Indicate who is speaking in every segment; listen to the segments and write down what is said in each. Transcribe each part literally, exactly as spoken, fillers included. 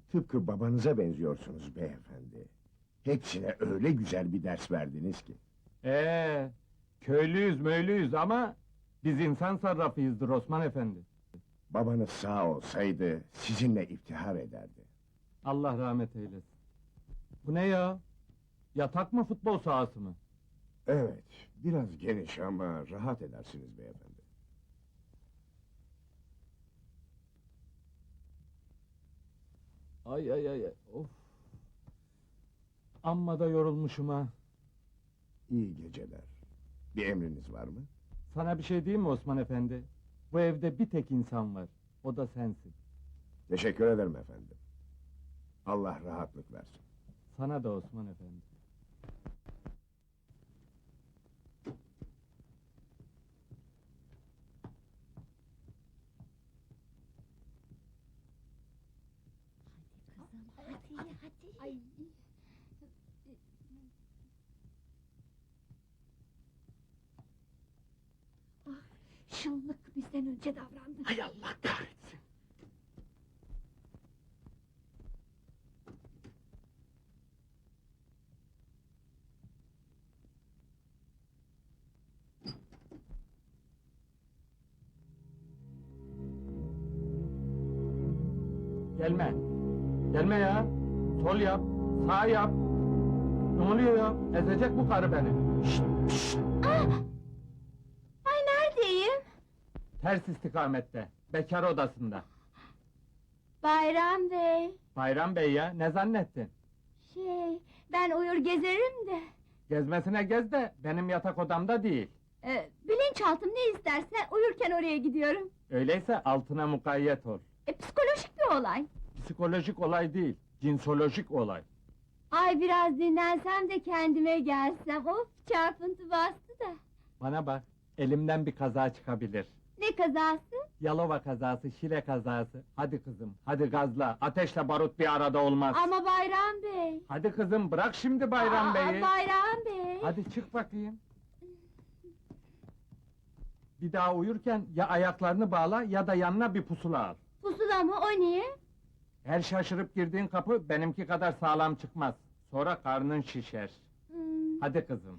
Speaker 1: Tıpkı babanıza benziyorsunuz beyefendi. Hepsine öyle güzel bir ders verdiniz ki.
Speaker 2: Ee, köylüyüz möylüyüz ama biz insan sarrafıyızdır Osman Efendi.
Speaker 1: Babanız sağ olsaydı sizinle iftihar ederdi.
Speaker 2: Allah rahmet eylesin. Bu ne ya? Yatak mı futbol sahası mı?
Speaker 1: Evet, biraz geniş ama rahat edersiniz beyefendi.
Speaker 2: Ay ay ay ay, of. Amma da yorulmuşum ha.
Speaker 1: İyi geceler. Bir emriniz var mı?
Speaker 2: Sana bir şey diyeyim mi Osman Efendi? Bu evde bir tek insan var. O da sensin.
Speaker 1: Teşekkür ederim efendim. Allah rahatlık versin.
Speaker 2: Sana da Osman Efendi.
Speaker 3: Hadi hadi. Ay. Ah, şıllık bizden önce davrandı.
Speaker 2: Hay Allah kahretsin! Gelme! Gelme ya! Sol yap, sağ yap! Ne oluyor ya? Ezecek bu karı beni! Şşt, şşt!
Speaker 3: Ah! Ay neredeyim?
Speaker 2: Ters istikamette, bekar odasında.
Speaker 3: Bayram Bey.
Speaker 2: Bayram Bey ya, ne zannettin?
Speaker 3: Şey, ben uyur gezerim de.
Speaker 2: Gezmesine gez de, benim yatak odamda değil.
Speaker 3: Ee, bilinçaltım ne isterse uyurken oraya gidiyorum.
Speaker 2: Öyleyse altına mukayyet ol.
Speaker 3: E, psikolojik bir olay.
Speaker 2: Psikolojik olay değil, cinsolojik olay.
Speaker 3: Ay biraz dinlensem de kendime gelsem. Of çarpıntı bastı da.
Speaker 2: Bana bak, elimden bir kaza çıkabilir.
Speaker 3: Ne kazası?
Speaker 2: Yalova kazası, Şile kazası. Hadi kızım, hadi gazla. Ateşle barut bir arada olmaz.
Speaker 3: Ama Bayram Bey.
Speaker 2: Hadi kızım, bırak şimdi Bayram
Speaker 3: Aa,
Speaker 2: Bey'i.
Speaker 3: Bayram Bey.
Speaker 2: Hadi çık bakayım. Bir daha uyurken ya ayaklarını bağla ya da yanına bir pusula al.
Speaker 3: Pusula mı o niye?
Speaker 2: Her şaşırıp girdiğin kapı benimki kadar sağlam çıkmaz. Sonra karnın şişer.
Speaker 3: Hmm.
Speaker 2: Hadi kızım.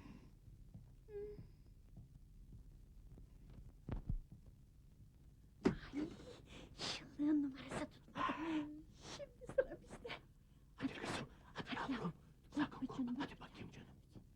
Speaker 3: Şıllığın numarası tutmadı. Şimdi sıra bizde.
Speaker 1: Hadi kızım, hadi yavrum. Sakın korkma, hadi bakayım canım.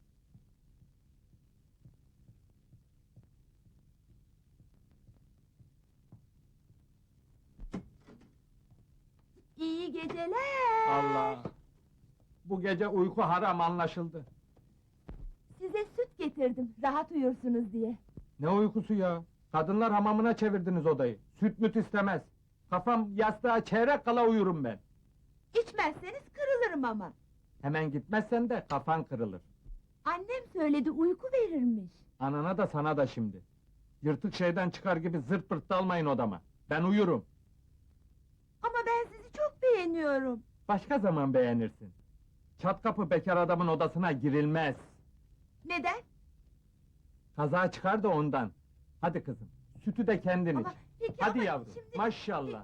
Speaker 3: İyi geceler.
Speaker 2: Allah! Bu gece uyku haram anlaşıldı.
Speaker 3: Size süt getirdim, rahat uyursunuz diye.
Speaker 2: Ne uykusu ya? Kadınlar hamamına çevirdiniz odayı. Süt müt istemez. Kafam yastığa çeyrek kala uyurum ben.
Speaker 3: İçmezseniz kırılırım ama.
Speaker 2: Hemen gitmezsen de kafan kırılır.
Speaker 3: Annem söyledi, uyku verirmiş.
Speaker 2: Anana da sana da şimdi. Yırtık şeyden çıkar gibi zırt pırt dalmayın odama. Ben uyurum.
Speaker 3: Ama ben sizi çok beğeniyorum.
Speaker 2: Başka zaman beğenirsin. Çat kapı bekar adamın odasına girilmez.
Speaker 3: Neden?
Speaker 2: Kaza çıkar da ondan. Hadi kızım, sütü de kendin
Speaker 3: Ama
Speaker 2: iç.
Speaker 3: peki
Speaker 2: Hadi
Speaker 3: ama
Speaker 2: yavrum,
Speaker 3: şimdi...
Speaker 2: maşallah.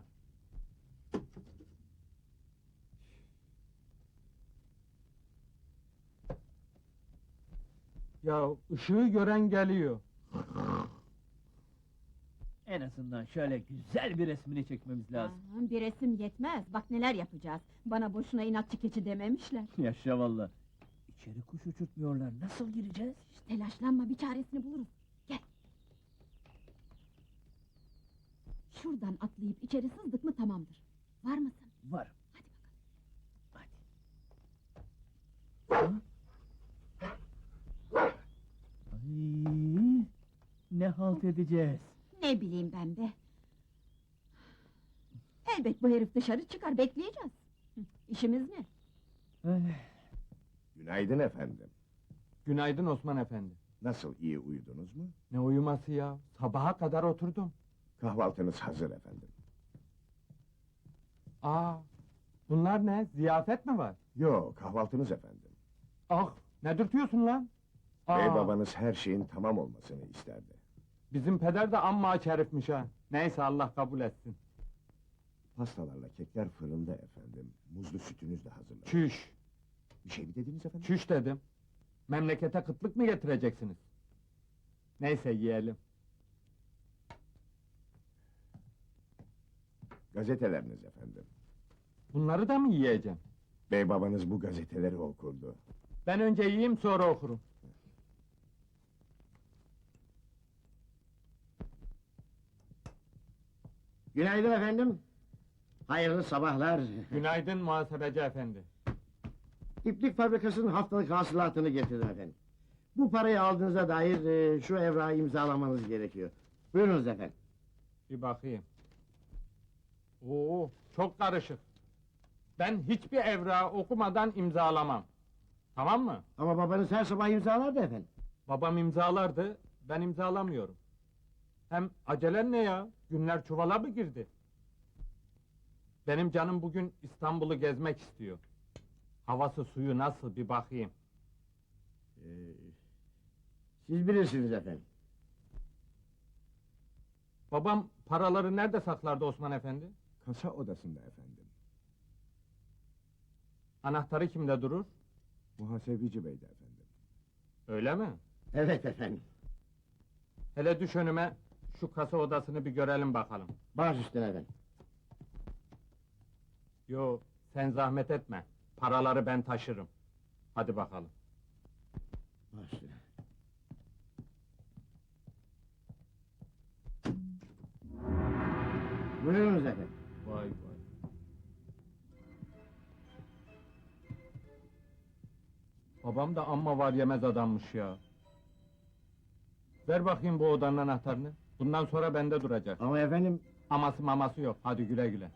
Speaker 2: Ya ışığı gören geliyor.
Speaker 4: En azından şöyle güzel bir resmini çekmemiz lazım.
Speaker 5: Aman, bir resim yetmez, bak neler yapacağız. Bana boşuna inatçı keçi dememişler.
Speaker 4: Yaşa valla. İçeri kuş uçurtmuyorlar, nasıl gireceğiz?
Speaker 5: Şş, telaşlanma, bir çaresini buluruz. Gel. Şuradan atlayıp içeri sızdık mı tamamdır. Var mısın?
Speaker 4: Var.
Speaker 5: Hadi bakalım.
Speaker 4: Hadi. Ha? Ay, ne halt edeceğiz?
Speaker 5: Ne bileyim ben be. Elbet bu herif dışarı çıkar, bekleyeceğiz. Hı, İşimiz ne?
Speaker 4: Ay,
Speaker 1: Günaydın efendim.
Speaker 2: Günaydın Osman Efendi.
Speaker 1: Nasıl, iyi uyudunuz mu?
Speaker 2: Ne uyuması ya? Sabaha kadar oturdum.
Speaker 1: Kahvaltınız hazır efendim.
Speaker 2: Aa, bunlar ne? Ziyafet mi var?
Speaker 1: Yo, kahvaltınız efendim.
Speaker 2: Ah, ne dürtüyorsun lan?
Speaker 1: Bey
Speaker 2: Aa,
Speaker 1: babanız her şeyin tamam olmasını isterdi.
Speaker 2: bizim peder de amma aç herifmiş ha. Neyse Allah kabul etsin.
Speaker 1: Pastalarla kekler fırında efendim. Muz Tuzlu sütünüz de hazırlandı.
Speaker 2: Çüş,
Speaker 1: Bir şey mi dediniz efendim?
Speaker 2: çüş dedim. Memlekete kıtlık mı getireceksiniz? Neyse yiyelim.
Speaker 1: Gazeteleriniz efendim.
Speaker 2: Bunları da mı yiyeceğim?
Speaker 1: Bey babanız bu gazeteleri okurdu.
Speaker 2: Ben önce yiyeyim sonra okurum.
Speaker 6: Günaydın efendim. Hayırlı sabahlar.
Speaker 2: Günaydın muhasebeci efendi.
Speaker 6: İplik fabrikasının haftalık hasılatını getirdim efendim. Bu parayı aldığınıza dair e, şu evrağı imzalamanız gerekiyor. Buyurunuz efendim.
Speaker 2: Bir bakayım. Oo, çok karışık. Ben hiçbir evrağı okumadan imzalamam. Tamam mı?
Speaker 6: Ama babanız her sabah imzalardı efendim.
Speaker 2: Babam imzalardı, ben imzalamıyorum. Hem acelen ne ya? Günler çuvala mı girdi? Benim canım bugün İstanbul'u gezmek istiyor. Havası suyu nasıl bir bakayım.
Speaker 6: Ee, siz bilirsiniz efendim.
Speaker 2: Babam paraları nerede saklardı Osman efendi?
Speaker 1: Kasa odasında efendim.
Speaker 2: Anahtarı kimde durur?
Speaker 1: Muhasebeci beydi efendim.
Speaker 2: Öyle mi?
Speaker 6: Evet efendim.
Speaker 2: Hele düş önüme, şu kasa odasını bir görelim bakalım.
Speaker 6: Baş üstüne efendim.
Speaker 2: Yo, sen zahmet etme. Paraları ben taşırım. Hadi bakalım.
Speaker 6: Baş üstüne. Buyurunuz efendim.
Speaker 2: Vay vay. Babam da amma var yemez adammış ya. Ver bakayım bu odanın anahtarını. Bundan sonra bende duracak.
Speaker 6: Ama efendim...
Speaker 2: Aması maması yok. Hadi güle güle.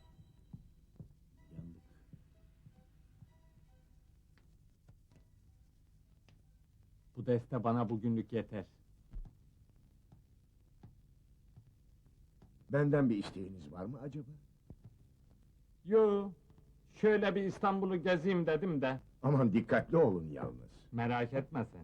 Speaker 2: Bu deste bana bugünlük yeter.
Speaker 1: Benden bir isteğiniz var mı acaba?
Speaker 2: Yo, şöyle bir İstanbul'u gezeyim dedim de.
Speaker 1: Aman dikkatli olun yalnız.
Speaker 2: Merak etme sen.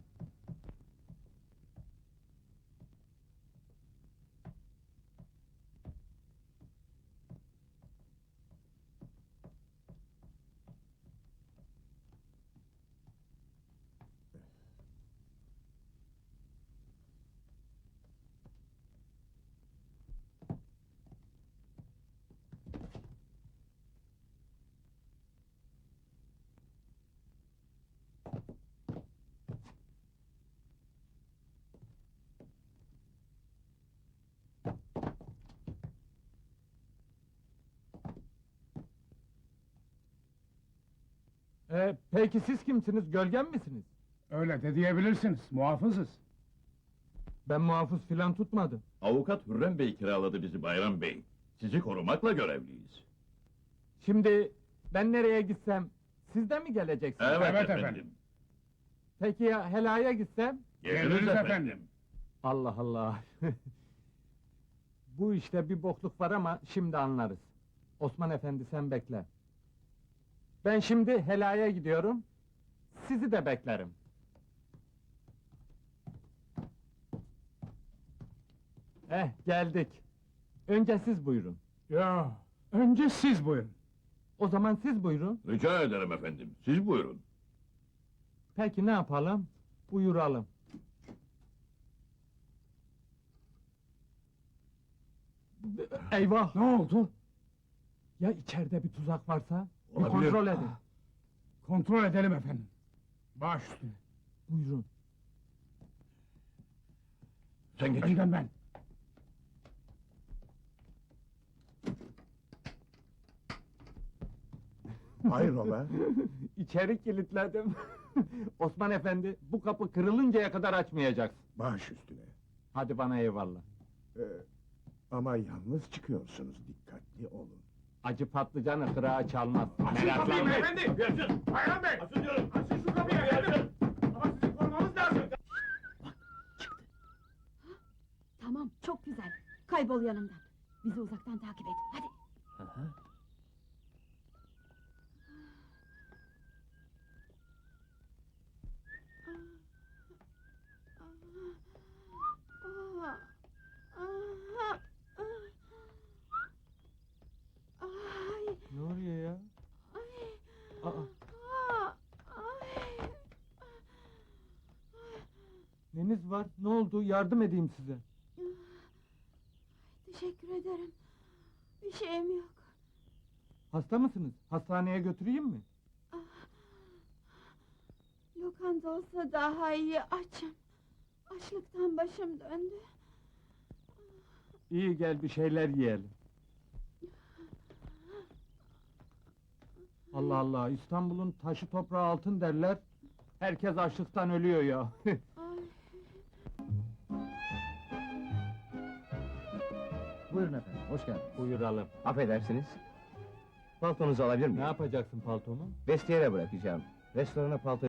Speaker 2: Ee, peki siz kimsiniz? Gölgen misiniz?
Speaker 7: Öyle de diyebilirsiniz, muhafızız.
Speaker 2: Ben muhafız filan tutmadım.
Speaker 8: Avukat Hürrem Bey kiraladı bizi Bayram Bey. Sizi korumakla görevliyiz.
Speaker 2: Şimdi ben nereye gitsem siz de mi geleceksiniz?
Speaker 8: Evet,
Speaker 7: Evet
Speaker 8: efendim.
Speaker 7: efendim.
Speaker 2: Peki ya helaya gitsem?
Speaker 8: Geliriz,
Speaker 7: Geliriz
Speaker 8: efendim.
Speaker 7: efendim.
Speaker 2: Allah Allah! Bu işte bir bokluk var ama şimdi anlarız. Osman efendi sen bekle. Ben şimdi helaya gidiyorum. Sizi de beklerim. Eh geldik. Önce siz buyurun.
Speaker 7: Ya, önce siz buyurun.
Speaker 2: O zaman siz buyurun.
Speaker 8: Rica ederim efendim. Siz buyurun.
Speaker 2: Peki ne yapalım? Buyuralım. Eyvah!
Speaker 7: Ne oldu?
Speaker 2: Ya içeride bir tuzak varsa? Bir
Speaker 8: Olabilir.
Speaker 2: kontrol edin.
Speaker 7: Kontrol edelim efendim. Baş üstüne.
Speaker 2: Buyurun.
Speaker 8: Sen geç.
Speaker 7: Önden ben.
Speaker 1: Hayrola?
Speaker 2: İçeri kilitledim. Osman efendi, bu kapı kırılıncaya kadar açmayacaksın.
Speaker 1: Baş üstüne.
Speaker 2: Hadi bana eyvallah.
Speaker 1: Ee, ama yalnız çıkıyorsunuz, dikkatli olun.
Speaker 2: Acı patlıcanı kırağa çalmaz. Meraklanma.
Speaker 7: efendi! Bayram Bey! Açın diyorum! Açın şu kapıyı efendim! Ama sizi korumamız lazım!
Speaker 5: Tamam, çok güzel. Kaybol yanımdan. Bizi uzaktan takip et, hadi.
Speaker 2: Ne oluyor ya?
Speaker 5: Ay,
Speaker 2: var? Ne oldu? Yardım edeyim size.
Speaker 3: Teşekkür ederim. Bir şeyim yok.
Speaker 2: Hasta mısınız? Hastaneye götüreyim mi?
Speaker 3: Lokanta olsa daha iyi, açım. Açlıktan başım döndü.
Speaker 2: İyi, gel bir şeyler yiyelim. Allah Allah, İstanbul'un taşı toprağı altın derler. Herkes açlıktan ölüyor ya.
Speaker 3: Ay.
Speaker 4: Buyurun efendim, hoş geldiniz.
Speaker 2: Buyuralım.
Speaker 9: Affedersiniz. Paltonuzu alabilir
Speaker 2: Ne
Speaker 9: miyim?
Speaker 2: yapacaksın paltomu?
Speaker 9: Vestiyere bırakacağım. Restorana palto